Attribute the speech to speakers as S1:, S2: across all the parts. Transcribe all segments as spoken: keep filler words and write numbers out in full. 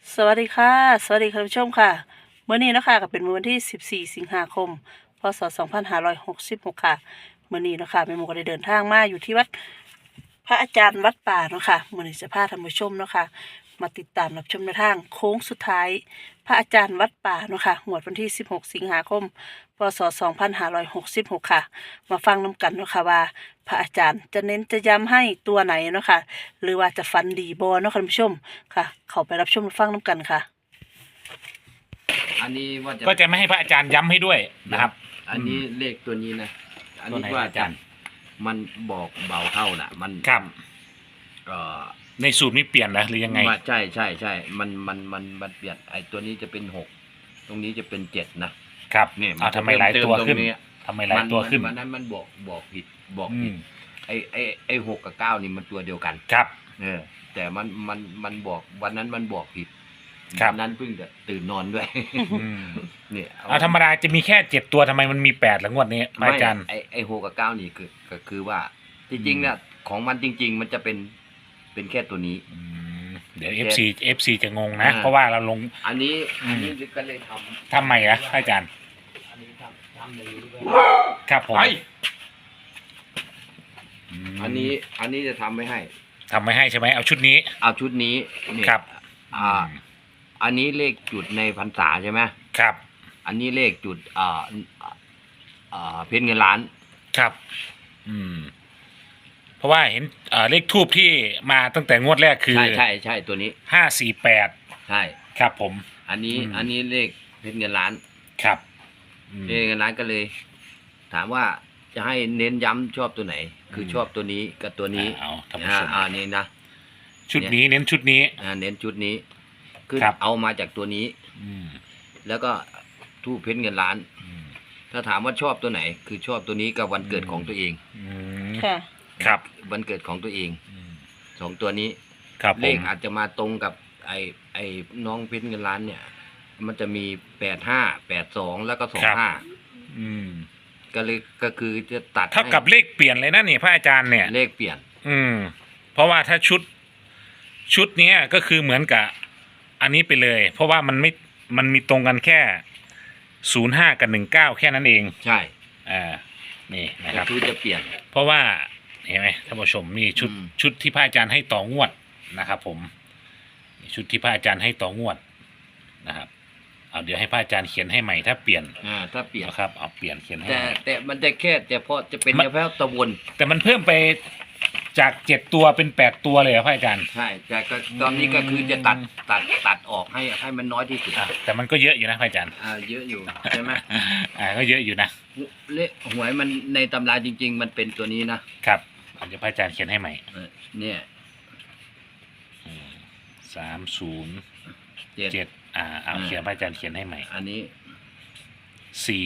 S1: สวัสดีค่ะสวัสดีคุณผู้ชมค่ะเมื่อนี้นะคะก็เป็นมื้อวันที่สิบสี่สิงหาคมพศสองพันห้าร้อยหกสิบหกค่ะเมื่อนี้นะคะแม่หมูก็ได้เดินทางมาอยู่ที่วัดพระอาจารย์วัดป่าเนาะค่ะมื่อนี้จะพาท่านผู้ชมเนาะค่ะมาติดตามรับชมในทางโค้งสุดท้าย พระอาจารย์วัดป่าเนาะค่ะงวดวันที่สิบหกสิงหาคมพศสองพันห้าร้อยหกสิบหกค่ะมาฟังน้กันเนาะค่ะว่าพระอาจารย์จะเน้นจะย้ำให้ตัวไหนเนาะค่ะหรือว่าจะฟันดีบอเนาะค่ะท่านผู้ชมค่ะ เข้าไปรับชมฟังน้กันค่ะ
S2: อันนี้ว่าจะ
S3: ก็จะไม่ให้พระอาจารย์ย้ำให้ด้วยนะครับ
S2: อันนี้เลขตัวนี้นะ อัน
S3: ตัว
S2: นี้
S3: ไหน
S2: ว่า
S3: อาจารย์
S2: มันบอกเบาเท่าน่ะ มัน
S3: ครับ
S2: เอ่อ
S3: ในสูตรนี้เปลี่ยนแล้วหรือยังไง
S2: ว่าใช่ใช่ใช่มันมันมันมันเปลี่ยนไอ้ตัวนี้จะเป็นหกตรงนี้จะเป็นเจ็ดนะครับ เนี่ย
S3: เอาทำไมหลายตัวขึ้น
S2: เติมตรงนี้
S3: ทำไมหลายตัวขึ้น
S2: มันนั้นมันบอกบอกผิดบอก
S3: อื
S2: ผิด
S3: ม
S2: ไอ้ไอ้ไอ้หกกับเก้านี่มันตัวเดียวกัน
S3: ครับ
S2: เออแต่มันมันมันบอกวันนั้นมันบอกผิด
S3: ครับ
S2: วันนั้นเพิ่งจะตื่นนอนด้วย
S3: อืม
S2: เนี่ย
S3: เอาธรรมดาจะมีแค่เจ็ดตัวทำไมมันมีแปดละงวดนี้พระ
S2: ไม่
S3: อาจารย์
S2: ไอไอหกกับเก้านี่คือก็คือว่าจริงๆเนี่ยของมันจริง ๆ มันจะเป็นเป็นแค่ตัวนี้
S3: อืมเดี๋ยว เอฟ ซี เอฟ ซี จะงงนะ
S2: อ่า
S3: เพราะว่าเราลง
S2: อันนี้
S3: อืม
S2: อันนี้ก็เลยทำ
S3: ทำไมอะพระอาจารย์
S2: อันนี้ทำทำอย่างนี้ด้วย
S3: ครับผม
S2: ไป
S3: ม
S2: อันนี้อันนี้จะทำไม่ให้
S3: ทำไม่ให้ใช่ไหมเอาชุดนี้
S2: เอาชุดนี้เนี่ย
S3: ครับ
S2: อ่า อันนี้เลขจุดในพรรษาใช่ไหม
S3: ครับ
S2: อันนี้เลขจุดอ่าอ่าเพชรเงินล้าน
S3: ครับ อืม เพราะว่าเห็นเอ่อเลขทูบที่มาตั้งแต่งวดแรกคือ
S2: ใช่ใช่ใช่ตัวนี้
S3: ห้าสี่แปด
S2: ใช่
S3: ครับผม
S2: อันนี้
S3: อืม
S2: อันนี้เลขเพชรเงินล้าน
S3: ครับอืม
S2: เพชรเงินล้านก็เลย ถามว่าจะให้เน้นย้ำชอบตัวไหน คือชอบตัวนี้กับตัวนี้
S3: เอาท่านผู้
S2: อ่า
S3: ชม
S2: อ่านี่นะ
S3: ชุดนี้เน้นชุดนี้
S2: อ่าเน้นชุดนี้คือ
S3: ครับ
S2: เอามาจากตัวนี้
S3: อืม
S2: แล้วก็ทูบเพชรเงินล้าน
S3: อืม
S2: ถ้าถามว่าชอบตัวไหน คือชอบตัวนี้กับวันเกิดของตัวเอง
S3: อืม
S1: ค่ะ
S3: ครับ
S2: วันเกิดของตัวเอง
S3: อืม
S2: สองตัวนี้
S3: ครับผ
S2: เลข
S3: ม
S2: อาจจะมาตรงกับไอไอน้องเพชรเงินล้านเนี่ย มันจะมีแปดห้าแปดสองแล้วก็สองห้า
S3: อืม
S2: ก็เลยก็คือจะตัด
S3: เท่ากับ
S2: ให้
S3: เลขเปลี่ยนเลยนะนี่พระอาจารย์เนี่ย
S2: เลขเปลี่ยน
S3: อืม เพราะว่าถ้าชุด ชุดเนี้ยก็คือเหมือนกับ อันนี้ไปเลย เพราะว่ามันไม่มันมีตรงกันแค่ศูนย์ห้ากับหนึ่งเก้าแค่นั้นเอง
S2: ใช่
S3: อ่านี่นะค
S2: ก็
S3: รับ
S2: คือจะเปลี่ยน
S3: เพราะว่าเห็นไหมท่านผู้ชมนี่ชุด
S2: อืม
S3: ชุดที่พระอาจารย์ให้ต่องวดนะครับผมนี่ชุดที่พระอาจารย์ให้ต่องวดนะครับเอาเดี๋ยวให้พระอาจารย์เขียนให้ใหม่ถ้าเปลี่ยน
S2: อ่าถ้าเปลี่ยน
S3: นะครับเอาเปลี่ยนเขียนให้
S2: แต่
S3: ใหม่
S2: แต่มันจะแค่แต่พอจะเป็น
S3: มัน
S2: เฉพาะตะวน
S3: แต่มันเพิ่มไปจากเจ็ดตัวเป็นแปดตัวเลยเหรอพระอาจารย์
S2: ใช่แต่ก็ตอนนี้ก็คือจะตัดตัดตัดออกให้ให้มันน้อยที่สุด
S3: อ่ะแต่มันก็เยอะอยู่นะพระอาจารย์
S2: อ่าเยอะอยู่ใช่ไหม
S3: อ่าก็เยอะอยู่นะ
S2: เลขหวยมันในตำราจริง ๆ มันเป็นตัวนี้นะครับ
S3: เอาเดี๋ยวพระอาจารย์เขียนให้ใหม่
S2: เออเนี่ย
S3: สามศูนย์
S2: เจ็ด
S3: เจ็ดอ่าเอา
S2: อ่า
S3: เขียนพระอาจารย์เขียนให้ใหม่
S2: อันนี้
S3: สี่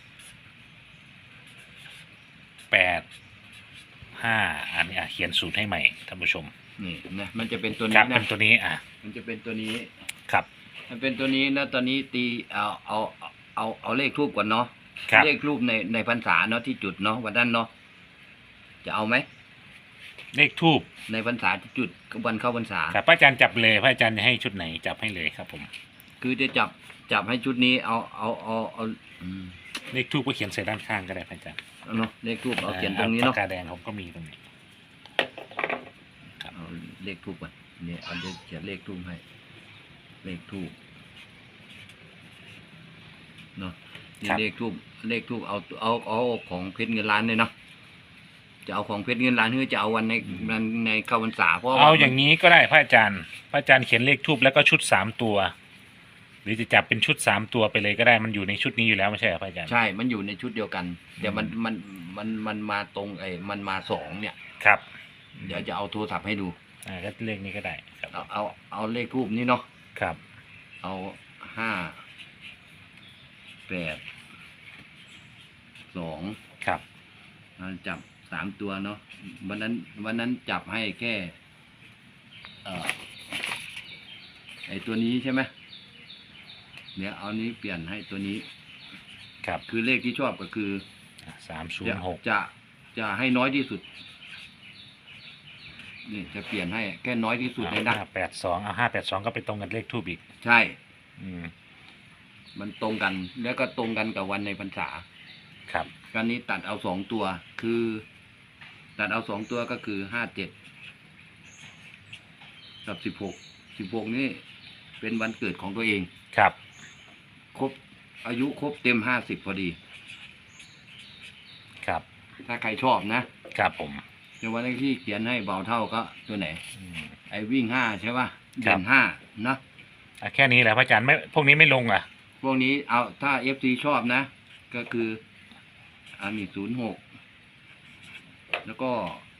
S3: แปดห้าอันนี้อ่ะเขียนสูตรให้ใหม่ท่านผู้ชม
S2: นี่นะมันจะเป็นตัว
S3: ค
S2: นี้
S3: รับ
S2: นะ
S3: เป็นตัวนี้อ่ะ
S2: มันจะเป็นตัวนี้
S3: ครับ
S2: มันเป็นตัวนี้นะตอนนี้ตีเอาเอาเอาเอาเอาเลขทูบก่อนเนาะ
S3: ครับ
S2: เลขทูบในในพรรษาเนาะที่จุดเนาะวันนั้นเนาะจะเอาไหม
S3: เลขทูบ
S2: ในพรรษาที่จุดวันเข้าพรรษา
S3: ครับพระอาจารย์จับเลยพระอาจารย์จะให้ชุดไหนจับให้เลยครับผม
S2: คือจะจับจับให้ชุดนี้เอาเอาเอาเอาอืม
S3: เลขทูบก็เขียนใส่ด้านข้างก็ได้พระอาจารย์
S2: เอาเนาะเลขทูบเอาเขียนตรงนี้เนาะ
S3: ปากกาแดงผมก็มีตรงนี้ ครับ
S2: เอาเลขทูบก่อนเนี่ยเอาเลขเขียนเลขทูบให้ เลขทูบเนาะนี่เลขทูบเลขทูบเอาเอาเอาของเพชรเงินล้านเลยเนาะจะเอาของเพชรเงินล้านหรือจะเอาวันในวันในเข้าพรรษาเพราะว่า
S3: เอาอย่างนี้ก็ได้พระอาจารย์ พระอาจารย์เขียนเลขทูบแล้วก็ชุดสามตัว หรือจะจับเป็นชุดสามตัวไปเลยก็ได้มันอยู่ในชุดนี้อยู่แล้วไม่ใช่เหรอพระอาจารย์
S2: ใช่ มันอยู่ในชุดเดียวกันเดี๋ยวมันมันมันมันมาตรงไอ้มันมาสองเนี่ย
S3: ครับ
S2: เดี๋ยวจะเอาโทรศัพท์ให้ดู
S3: อ่าก็เลขนี้ก็ได้ครับ
S2: เอาเอาเอาเลขทูบนี้เนาะ
S3: ครับ
S2: เอาห้าแปดสอง
S3: ครับ
S2: เราจับสามตัวเนาะวันนั้นวันนั้นจับให้แค่เอ่อไอตัวนี้ใช่ไหมเดี๋ยวเอานี้เปลี่ยนให้ตัวนี้
S3: ครับ
S2: คือเลขที่ชอบก็คือ
S3: สามศูน
S2: จะ
S3: ย์หก
S2: จะจะให้น้อยที่สุดนี่จะเปลี่ยนให้แค่น้อยที่สุดเลยนะ
S3: ห้าแปดสองเอาห้าแปดสองก็ไปตรงกันเลขทูบอีก
S2: ใช่
S3: อืม
S2: มันตรงกันแล้วก็ตรงกันกับวันในพรรษา
S3: ครับ
S2: การนี้ตัดเอาสองตัว คือ ตัดเอาสองตัวก็คือห้าเจ็ดกับสิบหกสิบหกนี่เป็นวันเกิดของตัวเอง
S3: ครับ
S2: ครบอายุครบเต็มห้าสิบพอดี
S3: ครับ
S2: ถ้าใครชอบนะครับ
S3: ผม
S2: ในวันที่เขียนให้เบาเท่าก็ตัวไหน
S3: อืม
S2: ไอ้วิ่งห้าใช่ป่ะ
S3: ครั
S2: เด่
S3: บ
S2: นห้านะ
S3: อ่ะแค่นี้แหละพระอาจารย์ไม่พวกนี้ไม่ลงอ่ะ
S2: พวกนี้เอาถ้าเอฟซีชอบนะ ก็คืออันนี้ศูนย์หกแล้วก็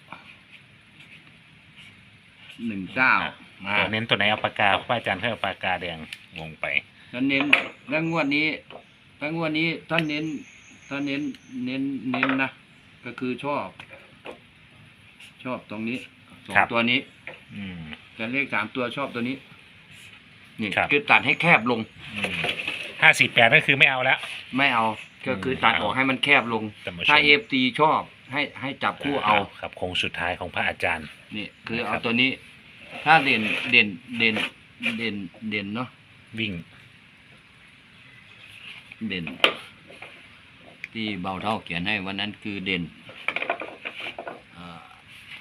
S2: หนึ่งเก้ามา
S3: ตัวเน้นตัวไหนเอาปากกาพระอาจารย์ให้เอาปากกาแดงวงไป
S2: แล้วเน้นแล้วงวดนี้แล้วงวดนี้ท่านเน้นท่านเน้นเน้นเน้นนะก็คือชอบ ชอบตรงนี้สอง
S3: ครับ
S2: ตัวนี้
S3: อืม
S2: แต่เลขสามตัวชอบตัวนี้นี่
S3: ครับ
S2: คือตัดให้แคบลง
S3: ห้าสี่แปดนั่นคือไม่เอาแล้ว
S2: ไม่เอาก็คือตัดออกให้มันแคบลง
S3: ท่านผู้ชม
S2: ถ้าเอฟซีชอบให้ให้จับคู่เอา
S3: ครับโค้งสุดท้ายของพระอาจารย์
S2: นี่คือ
S3: นะครั
S2: เอา
S3: บ
S2: ตัวนี้ ถ้าเด่นเด่นเด่นเด่นเด่นเนาะ
S3: วิ่ง
S2: เด่น ที่เบาเท่าเขียนให้วันนั้นคือเด่นเอ่อ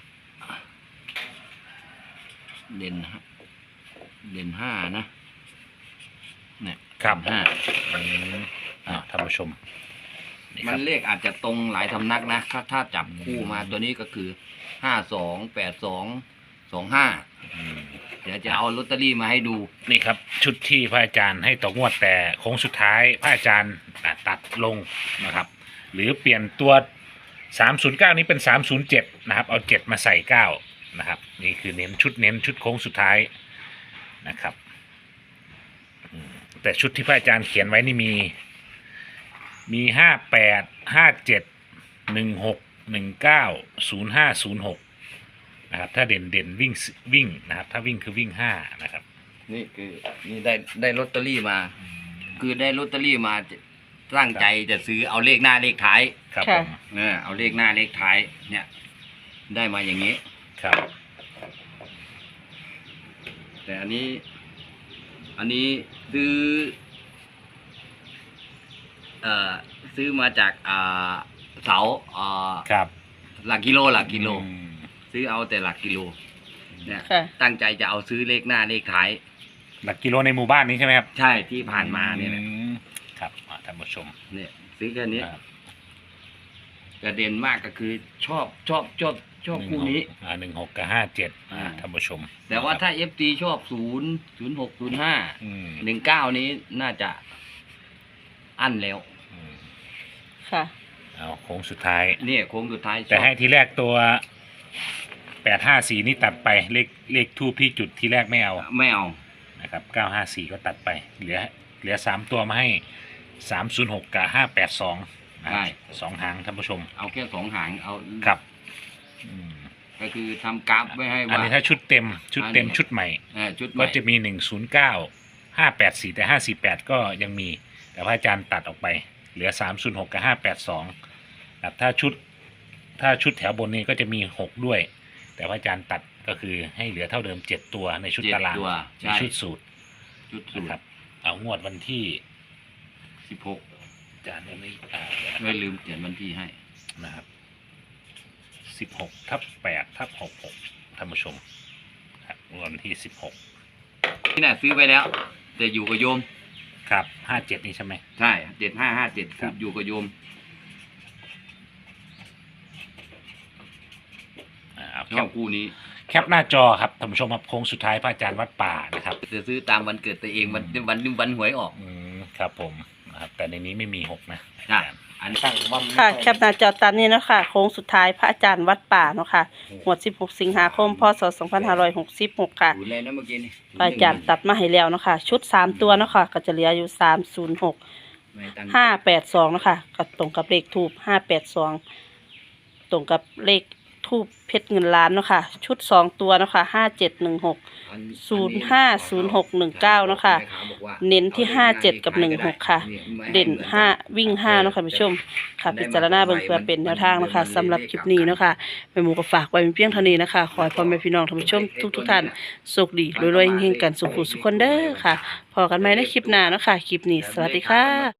S2: เด่นห้าเด่นห้านะเนี่ย
S3: ครับ
S2: ห้า
S3: อืมอ่าท่านผู้ชมนี่ค
S2: มั
S3: รั
S2: น
S3: บ
S2: เลขอาจจะตรงหลายสำนักนะถ้าถ้าจับคู่มาตัวนี้ก็คือห้าสองแปดสองสองห้า
S3: อืม
S2: เดี๋ยวจะเอาลอตเตอรี่มาให้ดู
S3: นี่ครับ ชุดที่พระอาจารย์ให้ต่องวดแต่โค้งสุดท้ายพระอาจารย์ตัดตัดลงนะครับ หรือเปลี่ยนตัวสามศูนย์เก้านี้เป็นสามศูนย์เจ็ดนะครับ เอาเจ็ดมาใส่เก้านะครับ นี่คือเน้นชุดเน้นชุดโค้งสุดท้ายนะครับอืมแต่ชุดที่พระอาจารย์เขียนไว้นี่มี มีห้าแปดห้าเจ็ดหนึ่งหกหนึ่งเก้าศูนย์ห้าศูนย์หกนะครับ ถ้าเด่นเด่นวิ่งวิ่งนะครับ ถ้าวิ่งคือวิ่งห้านะครับ
S2: นี่คือนี่ได้ได้ลอตเตอรี่มา คือได้ลอตเตอรี่มาจะตั้งใจจะซื้อเอาเลขหน้าเลขท้าย
S3: ครับ
S1: ค่ะ
S3: ผม
S2: เนี่ยเอาเลขหน้าเลขท้าย เนี่ย ได้มาอย่างนี้
S3: ครับ
S2: แต่อันนี้ อันนี้ซื้อ เอ่อซื้อมาจากอ่าเสาอ่า
S3: ครับ
S2: หลักกิโลหลักกิโล
S3: อืม
S2: ซื้อเอาแต่หลักกิโล เนี่ย
S1: ค่ะ
S2: ตั้งใจจะเอาซื้อเลขหน้าเลขท้าย
S3: หลักกิโลในหมู่บ้านนี้ใช่ไหมครับ
S2: ใช่ที่ผ่านมาเนี่ยแหละ
S3: อืมครับอ่าท่านผู้ชม
S2: เนี่ยซื้อแค่นี้
S3: ครับ
S2: กระเด็นมากก็คือชอบชอบชอบชอบคู่นี้
S3: อ่าหนึ่งหกกับห้าเจ็ดอ่า
S2: อ่า
S3: ท่านผู้ชม
S2: แต่ว่า
S3: ครับ
S2: ถ้าเอฟซีชอบศูนย์ศูนย์หกศูนย์ห้า
S3: อืม
S2: หนึ่งเก้านี้น่าจะอั้นแล้ว
S3: อืม
S1: ค่ะ
S3: เอาโค้งสุดท้าย
S2: เนี่ยโค้งสุดท้ายช
S3: แต่
S2: อบ
S3: ให้ทีแรกตัวแปดห้าสี่นี่ตัดไปเลขเลขทูปที่จุดที่แรกไม่เอา
S2: ไม่เอา
S3: นะครับเก้าห้าสี่ก็ตัดไป เหลือเหลือสามตัวมาให้สามศูนย์หกกับห้าแปดสองสองหางท่านผู้ชม
S2: เอาแค่สองหางเอา
S3: ครับอืม
S2: ก็คือทำกราฟไว้ให้
S3: อัน
S2: ว่า
S3: นี้ถ้าชุดเต็มชุดเต็ม
S2: อันนี้
S3: ชุดใหม่
S2: เอ่อชุดให
S3: ก็
S2: ม่
S3: จะมีหนึ่งศูนย์เก้าห้าแปดสี่แต่ห้าสี่แปดก็ยังมี แต่พระอาจารย์ตัดออกไป เหลือสามศูนย์หกกับห้าแปดสองครับถ้าชุด ถ้าชุดแถวบนนี้ก็จะมีหกด้วย แต่พระอาจารย์ตัดก็คือให้เหลือเท่าเดิมเจ็ดตัวในชุด
S2: เจ็ด
S3: ตาราง
S2: ตัว
S3: ใน
S2: ใช่
S3: ชุดสูตร
S2: ชุดสู
S3: นะ
S2: ต
S3: ครั
S2: ร
S3: บ เอางวดวันที่
S2: สิบหก
S3: อาจารย์ยังไม่อ่าเดี๋ยวนะค
S2: ไม่
S3: รับ
S2: ลืมเขียนวันที่ให้
S3: นะครับสิบหกทับแปดทับหกหกท่านผู้ชมครับวันที่สิบหก
S2: ที่น่ะซื้อไปแล้ว แต่อยู่กับโยม
S3: ครับห้าเจ็ดนี่ใช่ไหม
S2: ใช่เจ็ดห้าห้าเจ็ด
S3: ครับ
S2: อยู่กับโยม
S3: อ่าเอา
S2: ช
S3: แค
S2: อบ
S3: ป
S2: คู่นี้
S3: แคปหน้าจอครับท่านผู้ชมครับโค้งสุดท้ายพระอาจารย์วัดป่านะครับ
S2: จะซื้อตามวันเกิดตัวเองวันวันวันหวยออก
S3: อืมครับผมนะครับแต่ในนี้ไม่มีหกนะ
S2: ใช่อันตั้งว่า
S1: ค่ะ แคปหน้าจอตามนี้เนาะค่ะ โค้งสุดท้ายพระอาจารย์วัดป่าเนาะค่ะหวดสิบหกสิงหาคม พศสองพันห้าร้อยหกสิบหกค่ะ
S2: ศูนย์เลยนะเมื่อกี้นี่
S1: พระอาจารย์ตัดมาให้แล้วเนาะค่ะ ชุดสามตัวเนาะค่ะ ก็จะเหลืออยู่สามศูนย์หก
S2: ไม่ตั้ง
S1: ห้าแปดสองเนาะค่ะก็ตรงกับเลขทูบห้าแปดสองตรงกับเลขททูบเพชรเงินล้านเนาะค่ะชุดสองตัวเนาะค่ะห้าเจ็ดหนึ่งหก
S2: อัน
S1: ศูนย์ห้าศูนย์หกหนึ่งเก้าเนาะค่ะ
S2: แม่าบอกว่า
S1: เน้นที่ห้าเจ็ดกับหนึ่งหกค่ะ
S2: เนี่ยไม่ให้
S1: เด่น
S2: มือกั
S1: ห้าวิ่งห้าเนาะค่ะผู้ชมค่ะพิจารณาเบิ่งเพื่อเป็นแนวทางเนาะคะสำหรับคลิปนี้เนาะค่ะแม่หมูก็ฝากไว้เป็นเพียงเท่านี้นะคะขอให้พ่อแม่พี่น้องท่านผู้ชมทุกทุกๆท่านโชคดีรวยๆเฮงๆกันสุขุสุขคนเด้อค่ะพอกันไหมในคลิปหน้าเนาะค่ะคลิปนี้สวัสดีค่ะ